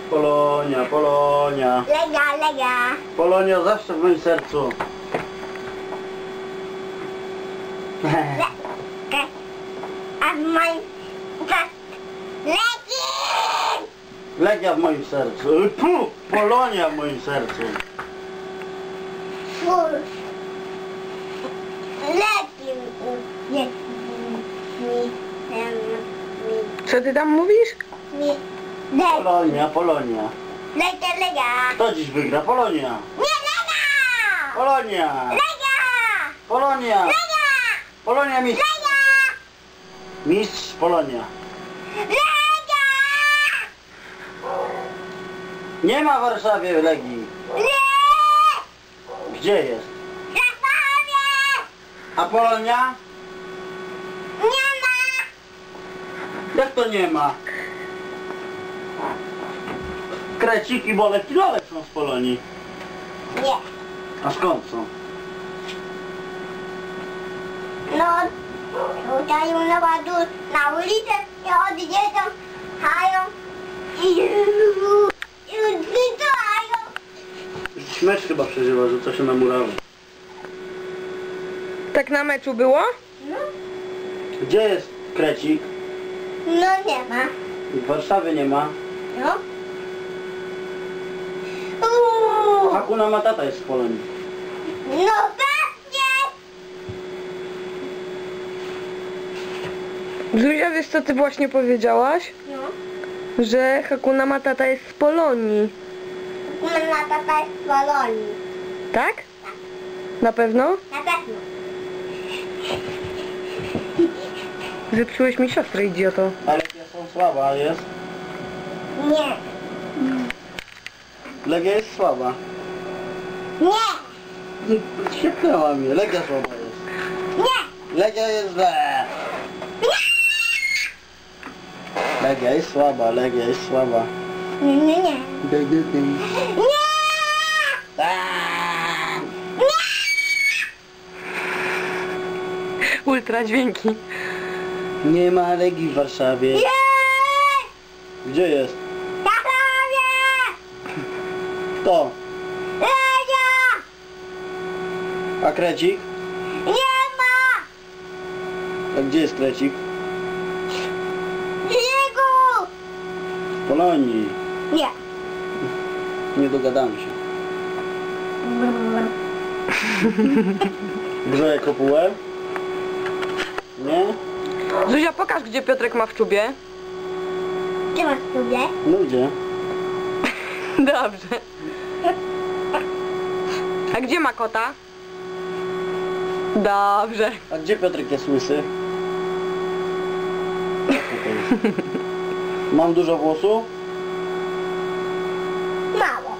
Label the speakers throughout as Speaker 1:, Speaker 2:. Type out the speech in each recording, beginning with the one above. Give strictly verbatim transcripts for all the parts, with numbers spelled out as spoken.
Speaker 1: Polonia, Polonia.
Speaker 2: Legia, Legia.
Speaker 1: Polonia zawsze w moim sercu.
Speaker 2: Le A w moim... Legi!
Speaker 1: Legia w moim sercu. Puh, Polonia w moim sercu.
Speaker 2: Fur. Legi. Mi. Mi.
Speaker 3: Co ty tam mówisz?
Speaker 2: Mi. Legia.
Speaker 1: Polonia, Polonia.
Speaker 2: Legia, Legia.
Speaker 1: Kto dziś wygra? Polonia.
Speaker 2: Nie, Legia!
Speaker 1: Polonia.
Speaker 2: Legia!
Speaker 1: Polonia.
Speaker 2: Legia!
Speaker 1: Polonia mistrz.
Speaker 2: Legia!
Speaker 1: Mistrz Polonia.
Speaker 2: Legia!
Speaker 1: Nie ma w Warszawie Legii.
Speaker 2: Nie!
Speaker 1: Gdzie jest?
Speaker 2: Zachowie!
Speaker 1: A Polonia?
Speaker 2: Nie ma!
Speaker 1: Jak to nie ma? Krecik i Bolek i Lolek są z Polonii.
Speaker 2: Nie.
Speaker 1: A skąd są?
Speaker 2: No, tutaj na ładu, na ulicę i odjeżdżą, hają i i zdytają.
Speaker 1: Mecz chyba przeżywa, że to się namurało.
Speaker 3: Tak na meczu było?
Speaker 2: No,
Speaker 1: Gdzie jest Krecik?
Speaker 2: no nie ma.
Speaker 1: W Warszawie nie ma.
Speaker 2: No. Uuu,
Speaker 1: Hakuna Matata jest z Polonii.
Speaker 2: no pewnie.
Speaker 3: Zuzia, wiesz co ty właśnie powiedziałaś?
Speaker 2: No,
Speaker 3: Że Hakuna Matata jest z Polonii.
Speaker 2: na tata jest w Polonii.
Speaker 3: Tak? Na pewno?
Speaker 2: Na pewno.
Speaker 3: Zepsułeś mi siostrę, idioto.
Speaker 1: Ale Legia są słaba, jest?
Speaker 2: Nie.
Speaker 1: Legia jest słaba.
Speaker 2: Nie.
Speaker 1: Świetnęła mnie. Legia słaba jest.
Speaker 2: Nie.
Speaker 1: Legia jest źle. Legia jest słaba, Legia jest słaba.
Speaker 2: Nie, nie, nie. Nie.
Speaker 1: Aaaa!
Speaker 3: Ultra dźwięki.
Speaker 1: Nie ma Legii w Warszawie.
Speaker 2: Nie.
Speaker 1: Gdzie jest?
Speaker 2: Zachowie!
Speaker 1: Kto?
Speaker 2: Legia!
Speaker 1: A Krecik?
Speaker 2: Nie ma!
Speaker 1: A gdzie jest Krecik?
Speaker 2: Jego!
Speaker 1: W Polonii.
Speaker 2: Nie.
Speaker 1: Nie dogadamy się. Grzeje kopułę? Nie?
Speaker 3: Zuzia, pokaż, gdzie Piotrek ma w czubie.
Speaker 2: Gdzie masz sobie?
Speaker 1: No gdzie?
Speaker 3: Dobrze. A gdzie ma kota? Dobrze.
Speaker 1: A gdzie Piotrek jest łysy? Tutaj. Mam dużo włosu?
Speaker 2: Mało.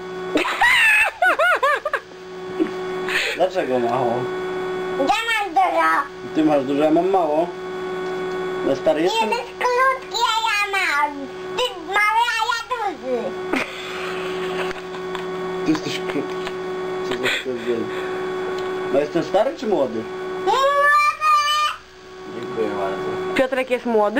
Speaker 1: Dlaczego mało?
Speaker 2: Gdzie masz dużo?
Speaker 1: Ty masz dużo, ja mam mało. Ja stary
Speaker 2: Nie
Speaker 1: jestem?
Speaker 2: jesteś krótki, a ja mały. Ty mały, a ja duży.
Speaker 1: Ty jesteś krótki. Co za stwierdzenie. No jestem stary czy młody?
Speaker 2: Młody!
Speaker 1: Dziękuję bardzo.
Speaker 3: Piotrek jest młody?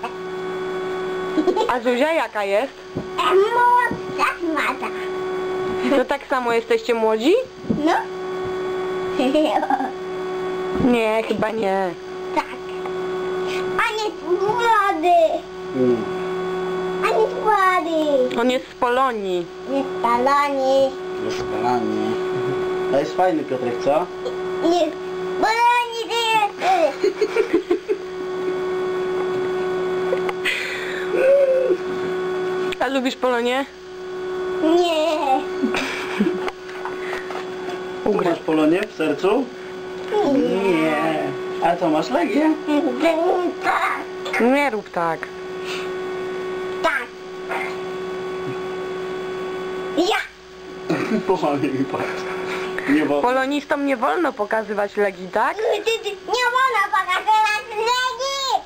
Speaker 3: A Zuzia jaka jest?
Speaker 2: A młodsza mata.
Speaker 3: To tak samo jesteście młodzi?
Speaker 2: No.
Speaker 3: Nie, chyba nie.
Speaker 2: Tak. On jest młody.
Speaker 1: Mm.
Speaker 2: On jest młody.
Speaker 3: On jest z Polonii.
Speaker 2: Jest baloni.
Speaker 1: Jest kolanie. A jest fajny Piotrek, co?
Speaker 2: Jest baloni, ty jest.
Speaker 3: A lubisz Polonię?
Speaker 2: Nie.
Speaker 1: Tu masz Polonię w sercu? Nie. A to masz Legię?
Speaker 2: Tak.
Speaker 3: Nie rób tak.
Speaker 2: Tak. Ja.
Speaker 1: Pochwalnie mi patrz. Nie bo...
Speaker 3: Polonistom nie wolno pokazywać Legii, tak?
Speaker 2: Ty, ty, nie wolno pokazywać legi.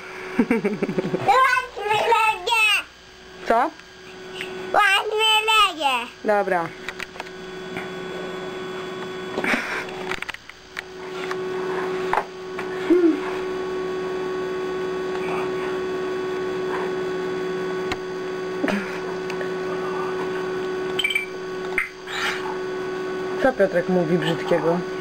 Speaker 2: Łatwy legie.
Speaker 3: Co?
Speaker 2: Łatwy legie.
Speaker 3: Dobra. Co Piotrek mówi brzydkiego?